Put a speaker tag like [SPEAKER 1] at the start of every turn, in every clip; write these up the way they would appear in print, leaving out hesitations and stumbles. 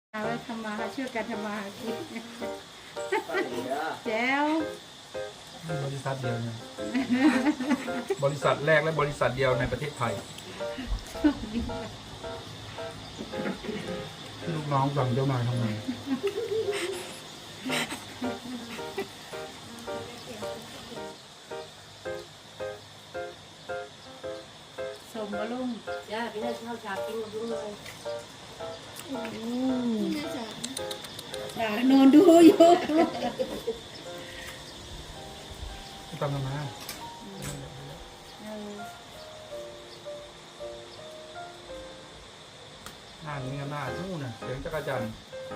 [SPEAKER 1] เอาไว้ทำมาหาช่วยกันทำมาหากินแจ๋ว
[SPEAKER 2] บริษัทเดียวเนี่ยบริษัทแรกและบริษัทเดียวในประเทศไทยลูกน้องสั่งเจ้ามาทำไง
[SPEAKER 1] สมบลุง
[SPEAKER 3] จ้าพี่น่าเข้าฉากกินกับลุงเลย
[SPEAKER 1] นอนดูอยู่
[SPEAKER 2] ทำกันมาหน้านี้หน้านู่นน่ะเสียงจักรจันทร์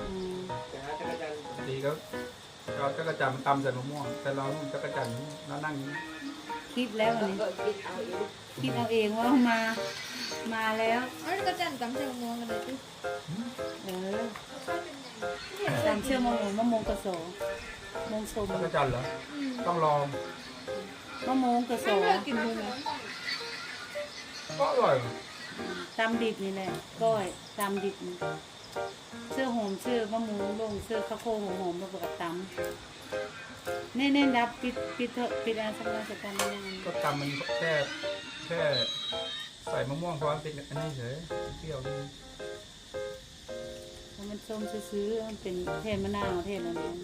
[SPEAKER 2] ดีก็เราจักรจันทร์มันตำใส่มะม่วงแต่เราจักรจันทร์แล้วนั่งนี้
[SPEAKER 1] คิดแล้ววันนี้คิดเอาเองว่ามาแล้ว
[SPEAKER 4] ก็จันตำเชียงม่วงกันเลยจุ๊
[SPEAKER 1] ตำเชื่อมะม่วงกระโสมงสม
[SPEAKER 2] จักรจันทร์เหรอต้องลอง
[SPEAKER 1] มะม่วงกระโส
[SPEAKER 4] กินเลย
[SPEAKER 2] ก็อร่อย
[SPEAKER 1] ตำดิบนี่แหละก้อยตำดิบเสื้อหอมเสื้อมะม่วงลงเสื้อข้าวโพดหอมมาประกอบตำเน่ๆดับปิดอะไรสักหน่อยสักการนึง
[SPEAKER 2] ก็ตำมันแค่ใส่มะม่วงเพราะมันเป็นอันนี้เฉยเปรี้ยวดี
[SPEAKER 1] มันส้มซื้อมันเป็นเทศมะนาวเทศอะไรนั้น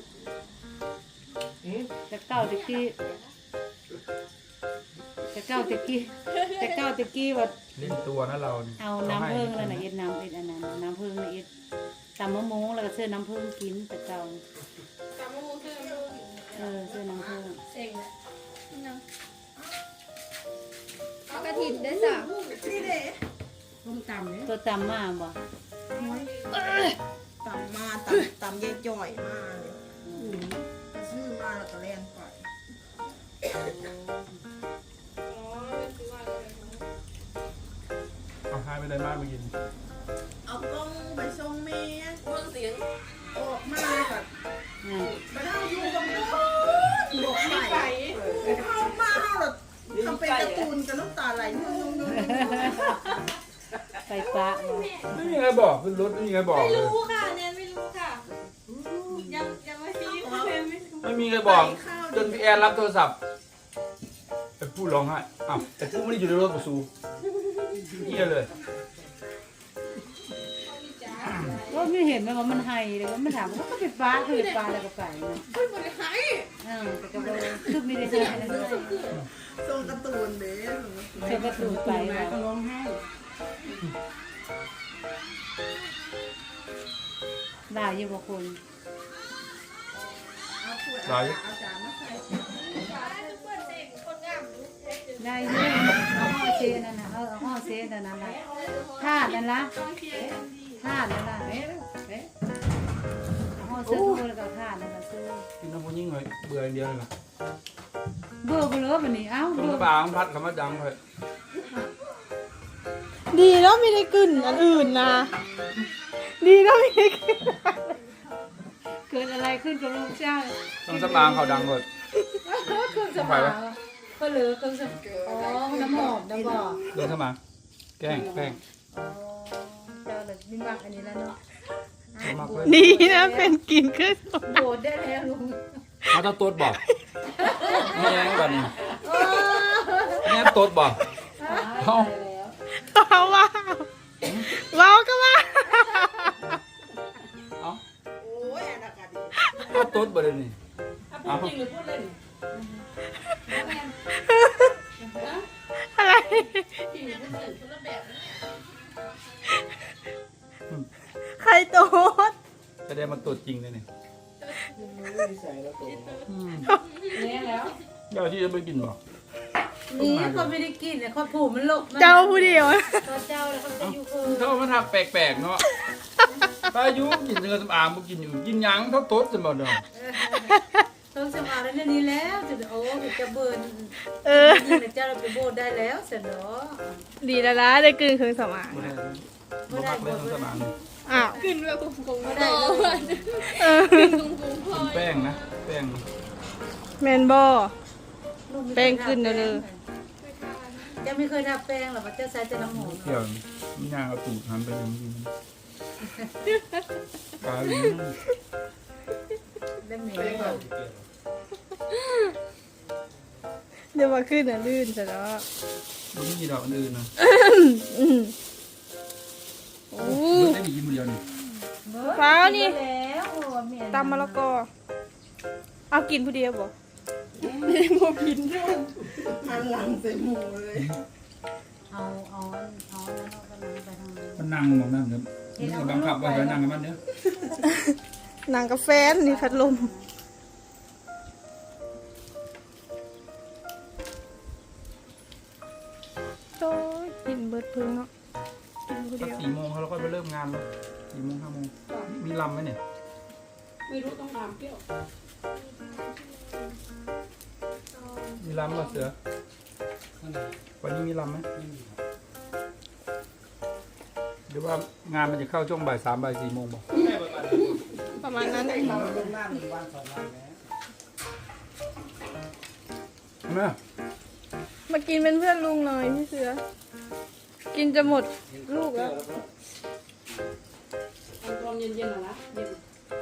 [SPEAKER 1] แต่เก้าตะกี้ว่า
[SPEAKER 2] เล่นตัวนะเรา
[SPEAKER 1] เอาน้ำผึ้งแล้วนะเอ็ดน้ำเอ็ดอันนั้นน้ำผึ้งนะเอ็ดตำมะม่วงแล้วก็เสื้อน้ำผึ้งกินแต่เก่า
[SPEAKER 4] ตำมะม่วงเสื้อน้ำผึ้ง
[SPEAKER 1] เสื้อน้ำผึ้ง
[SPEAKER 4] เซ็งเลยเอากระถิ่นได้จ้ะนี่เด้
[SPEAKER 1] ต้มตำเนี่ยตัวตำมาบ่
[SPEAKER 5] ตำย่จ่อยมาเลยซื้อมาแล้วก็แล่นไป
[SPEAKER 2] เอาหายไปได้มากเมื่อกี้
[SPEAKER 5] เอากล้องไปส่งเมีย
[SPEAKER 4] เมืองเสียง
[SPEAKER 5] ออกมาแบบไปได้อยู่กับลูกบอกใส่เข้ามาแบบทำเป็นการ์ตูนกับน้ำตาไหล
[SPEAKER 1] ไปปะ
[SPEAKER 2] ไม่มีใครบอกขึ้นรถไม่มีใครบอก
[SPEAKER 4] ไม่รู้ค่ะเนี่ยไม่รู้ค่ะยังไม่ชี้
[SPEAKER 2] ไม่มีใครบอกจนพี่แอนรับโทรศัพท์ไอ้ผู้ร้องไห้อ้าวไอ้ผู้ไม่ได้อยู่ในรถประสูเยี่ยเลย
[SPEAKER 1] ก็ไม่เห็นว่ามันไฮเลยว่ามันถามว่าก็เป็นปลาคือปลาอะไรกับไก่นะ
[SPEAKER 4] ไม่ได้ไฮ
[SPEAKER 1] แต่ก็คือไม่ได้ใช่อะไรเลย
[SPEAKER 5] ส่งการ์ตูนเด้
[SPEAKER 1] ส่งการ์ตูนไปมาก็ร้องไห้ด่าอยู่บางคน
[SPEAKER 2] ได้
[SPEAKER 1] ได้เยอะเอาห่อเซนนั่นนะเอาห่อเซนนั่นนะธาตุนั่นละธาตุนั่นละห่อเสื้อตัวแล้วก็ธาตุนั่นละเสื้อ
[SPEAKER 2] กินน้ำมันยิ่งเลยเบื่ออย่างเดียวเลย
[SPEAKER 1] เบื่อไปเลยวันนี้เอ้า
[SPEAKER 2] เบื่อปลาพัดคำว่าดังเลย
[SPEAKER 4] ดีแล้วไม่ได้กลิ่นอันอื่นนะดีแล้วไม่ได้กลิ่น
[SPEAKER 1] เกิดอะไรขึ้นกับลูกเจ้า
[SPEAKER 2] ต้องสมางเขาดังเลย
[SPEAKER 1] เครื่องสมางก็เหลือเครื่องสมางอ๋อน้ำหอมน้ำบ่อ
[SPEAKER 2] เครื่องสมางแกล้ง
[SPEAKER 1] อ๋อเจ้าเลยมีมักอันนี้แล้วเนาะ
[SPEAKER 4] ดีนะเป็นกลิ่นเครื่องสมาง
[SPEAKER 1] โดดได้แล้วลุง
[SPEAKER 2] เขาต้องตัวบอกไม่ยังแบบนี้เนี่ยตัวบอกเขา
[SPEAKER 4] ว้าวก็ว่า
[SPEAKER 2] เอาโอ้ยอากาศดีเขาตัวบ่ได้นี่
[SPEAKER 1] พูดจริงหรือพูดเล่น
[SPEAKER 4] อะไรใครโต๊ด
[SPEAKER 2] จะได้มาตัวจริงเลยนี่
[SPEAKER 1] เนี่ยแล้ว
[SPEAKER 2] เดี๋ยวที่จะไปกินบ่
[SPEAKER 1] นี่คนไม่ได้กินเนี่ยคนผูมันลบ
[SPEAKER 4] เจ้าผู้เดียว
[SPEAKER 1] เจ้าแล้วเขาจะอยู่คือ
[SPEAKER 2] เขามาทำแปลกๆเนาะตายุกินเนื้อสำอางบุกินอยู่กินยังเขาโต๊ดสมบัติเนาะ
[SPEAKER 1] ต้องสมาแล้วนี่แล้วจะโอ้จะเบิร์นนี่เจ้าเราไปโบดได้แล้วเสร็จเนาะ
[SPEAKER 4] ดีแล้วล่ะได้กลืนเครื่องสมาง
[SPEAKER 2] ไม่ได้เครื่องสมาง
[SPEAKER 4] อ้าว
[SPEAKER 1] กลืนแบบกงๆไม่ได้
[SPEAKER 2] แป้งนะแป้ง
[SPEAKER 4] แมนบอแป้งขึ้นเลย
[SPEAKER 1] จะไม่เคยทาแป้งหรอกจะใช้แต่น้ำหอม
[SPEAKER 2] เกี่ยวมีงานเอาตูดทำไปยังกินไปกาย
[SPEAKER 1] เล่มนี้
[SPEAKER 4] เดี๋ยวว่าขึ้นลื่นซะแล้ว
[SPEAKER 2] มันมีดอกอื่นนะ
[SPEAKER 4] โอ้
[SPEAKER 2] มันได้มีกินมือเดียวนี่
[SPEAKER 4] ฟ้าวนี่
[SPEAKER 1] แล้วเมีย
[SPEAKER 4] ตำมะละกอเอากินผู้เดียวบ่
[SPEAKER 5] หันหลังใส่หมูเลย
[SPEAKER 1] เอาแล้วเราก็นั่งไปทางนั้น
[SPEAKER 2] มันนั่งมองนั่งเดี๋ยวมันบังคับไว้ให้นั่งกับมันเด้อน
[SPEAKER 4] างกาแฟนนี่พัดลมโอ้ยกินเบิดพึ่งเนาะกินผู้
[SPEAKER 2] สัก
[SPEAKER 4] เดียว
[SPEAKER 2] 4 โมงเขาเราก็ไปเริ่มงานแล้ว4 โมง 5 โมงมีลำไหมเนี่ย
[SPEAKER 3] ไม่รู้ต้องถามเปรี้ยว
[SPEAKER 2] มีลำป่ะเสือวันนี้มีลำไหมหรือว่างานมันจะเข้าช่วงบ่าย 3 บ่าย 4 โมงบอก
[SPEAKER 4] ประมาณนั้น
[SPEAKER 2] เห็นไหม
[SPEAKER 4] มากินเป็นเพื่อนลุงหน่อยพี่เสือ กินจะหมดลูกแล้ว
[SPEAKER 3] เอาความเย็นๆหน่อยนะเย็น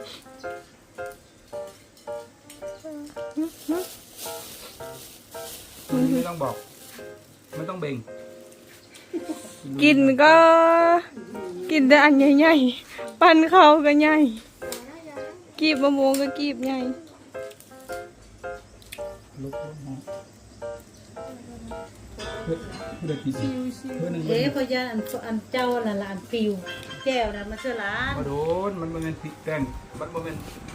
[SPEAKER 2] วันนี้ไม่ต้องบอก ไม่ต้องเบ่ง
[SPEAKER 4] กินก็กินแต่อันใหญ่ๆปั้นเขาก็ใหญ่กีบมะม่วงก็กีบใหญ่
[SPEAKER 2] ลุกห้องเพื่อกินเพื่อหนึ่ง
[SPEAKER 1] เอ๊ะพยานอันเจ้าน่ะละอันฟิวแก้วน่ะมาเชื่อร้าน
[SPEAKER 2] มาโดนมันเป็นพริกแกงมันเป็น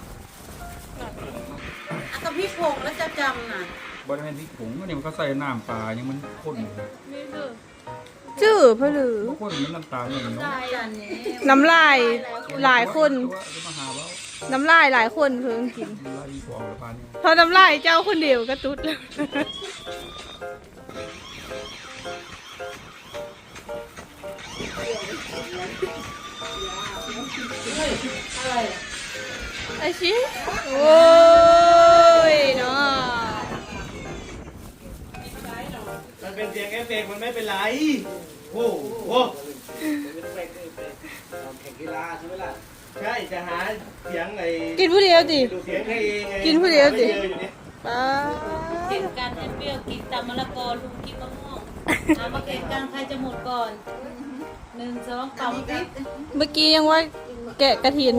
[SPEAKER 1] ก็พี่ผงแล้วจะจำน่ะ
[SPEAKER 2] บริเวณพริกผงนี่มันก็ใส่น้ำปลายังมันข้นอยู่
[SPEAKER 4] จื้อเพื่อหรือ
[SPEAKER 2] ข้นมันน้ำตาลอย่างเนาะ
[SPEAKER 1] ได้อันนี้
[SPEAKER 4] น้ำลายหลายคน
[SPEAKER 2] จะมาหาว่า
[SPEAKER 4] น้ำลายหลายคนเพิ่งกิน
[SPEAKER 2] ลายฟองหรือปลาเนี่ย
[SPEAKER 4] พอน้ำลายเจ้าคนเดียวก็ตุ๊ดแล้ว ไอชิโอ้ยเนาะ
[SPEAKER 6] มันเป็นเสียงเอฟเฟกต์มันไม่เป็นไร โอ้โหแข่งกีฬาใช่ไหมล่ะ ใช่ จะหาเสียงไอ้
[SPEAKER 4] กินผู้เดียวดิ
[SPEAKER 6] ดูเสียงให้เองไง
[SPEAKER 4] กินผู้เดียวสิ
[SPEAKER 6] ไม่จออยู่นี่
[SPEAKER 4] ป้า
[SPEAKER 1] เก่งกันให้เปรี้ยวกินตำมะละกอลุงกินมะม่วงเอามาเก่งกันใครจะหมดก่อน1 2เป่าสิ
[SPEAKER 4] เมื่อกี้ยังว่าแกะกระถิน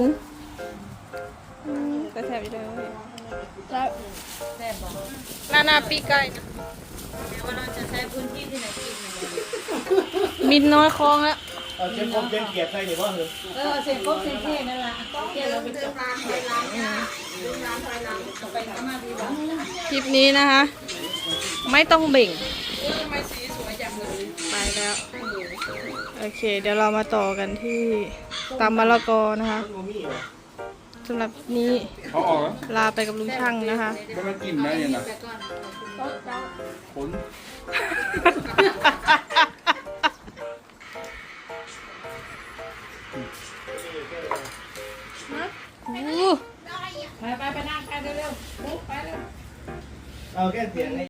[SPEAKER 4] กระแทบอยู่เลยแล้ว
[SPEAKER 1] แซ่บบอก
[SPEAKER 4] นาปีไก่นะ
[SPEAKER 1] แต่ว่าเราจะใช้พื้นที่ที่ไหนกินเนี่ย
[SPEAKER 4] มินน้อยคลองแล้ว
[SPEAKER 6] เอาเชียงคมเชียงเกียรติใครเนี่ยว่าเหรอ
[SPEAKER 1] เอาเสร็จครบเสร็จเท่นั่นแหละเกี่ยวเราไป
[SPEAKER 5] เดินร้านถอยหลังนะเดินร้านถอยหลัง
[SPEAKER 1] ไปข้างหน้าดีกว่า
[SPEAKER 4] คลิปนี้นะคะ ไม่ต้องเบ่ง
[SPEAKER 5] ทำไมสีสวยจังเลย
[SPEAKER 4] ไปแล้ว โอเค เดี๋ยวเรามาต่อกันที่ตำมะละกอนะคะ
[SPEAKER 6] มันโมมี่เหรอ
[SPEAKER 4] สำหรับนี้
[SPEAKER 2] เขาออกแล้ว
[SPEAKER 4] ลาไปกับลุงช่างนะคะ
[SPEAKER 2] มันมากินไหมเนี่ยนะผล
[SPEAKER 4] อู้
[SPEAKER 3] ไปนั่งกันเร็วๆไปเร็ว
[SPEAKER 6] เอาแค่เสียงให้